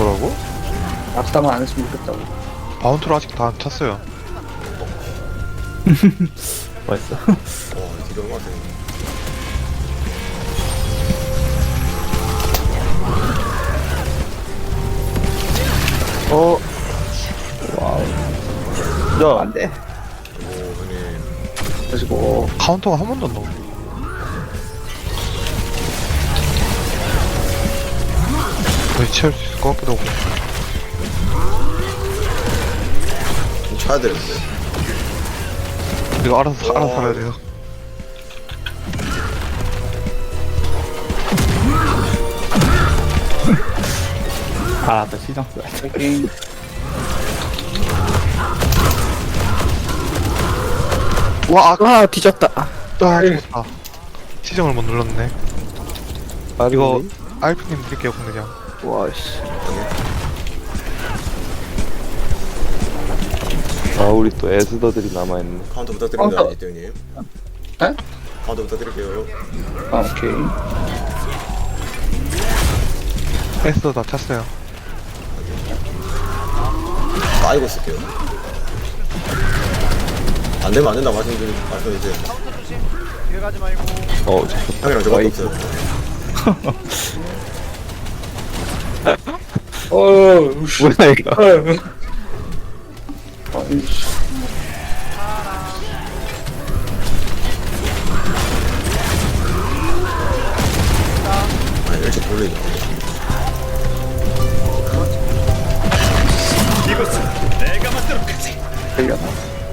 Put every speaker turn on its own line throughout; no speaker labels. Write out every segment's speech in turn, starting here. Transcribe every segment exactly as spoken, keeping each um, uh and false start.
뭐라고?
낙사만 안 했으면 좋겠다고.
바운트를 아직 다 안 찼어요.
맛있어.
와 이게 얼마 돼?
어. 와우. 야,
안 돼.
오 형님.
그리고,
카운터가 한 번도 안 나오고. 거의 채울 수 있을 것 같기도 하고.
좀 쳐야 되는데.
이거 알아서,
와.
알아서 살아야 돼요.
알았다, 시장 써야 돼.
여기,
와, 아,
와 뒤졌다.
아, 죽었다. 시정을 못 눌렀네. 이거, 알프님 드릴게요, 공대장.
와씨.
아, 우리 또 에스더들이 남아있네.
카운터 부탁드립니다
카운터.
이태 형님.
에?
카운터 부탁드릴게요.
아, 오케이.
에스도 다 찼어요.
빠이고 쓸게요. 안 되면 안 된다 말씀드리 말씀해주세요.
어, 잡혔다.
형이랑 저밖에 없어요.
어우, 씨.
뭐야 이거?
어휴. 아니, 씨.
아니 일찍 돌리네.
되려나?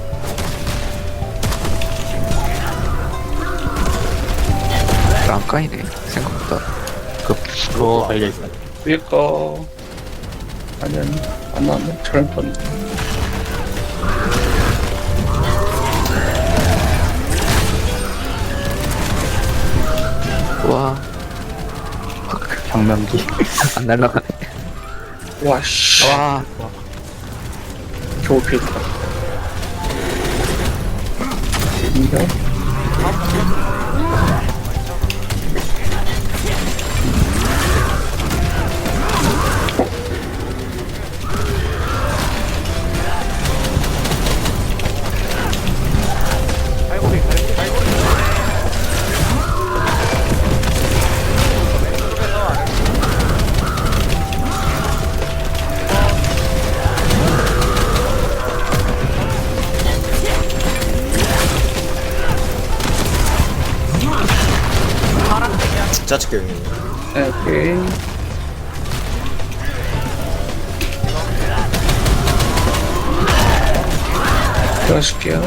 안 까이네 생각보다.
어, 달려있어.
위에 거. 아니, 아니. 안 나왔네. 저런 뻔.
와.
장면기.
안 날라가네.
와, 씨.
와.
겨우 피했다. 인정?
짜칠게요 형님.
네, 오케이. 들어줄게요.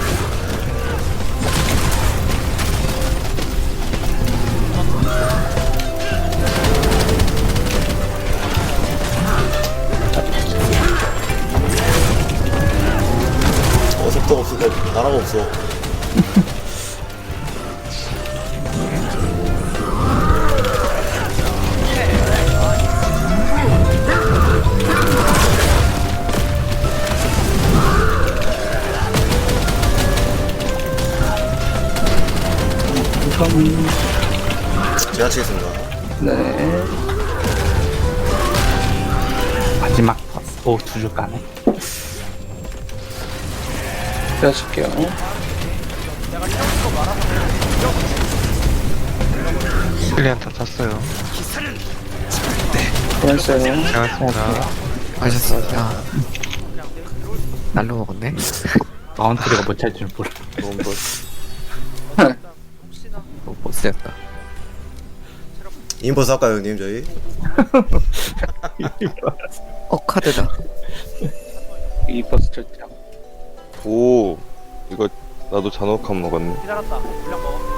어 속도가 없어. 나라가 없어.
우선,
제가 치겠습니다.
네.
마지막 버스. 오, 두 줄 까네.
들어줄게요.
실리안 다 찼어요.
고맙어요.
고생하셨습니다.
하셨습니다. 날로 먹었네.
마운트리가 못 찰 줄 몰라.
너무 뭐
어, 보스였다.
인버스 할까요 형님 저희?
어 카드다.
이 버스 절대.
오, 이거 나도 잔혹함 먹었네.
기다렸다. 물량 먹어.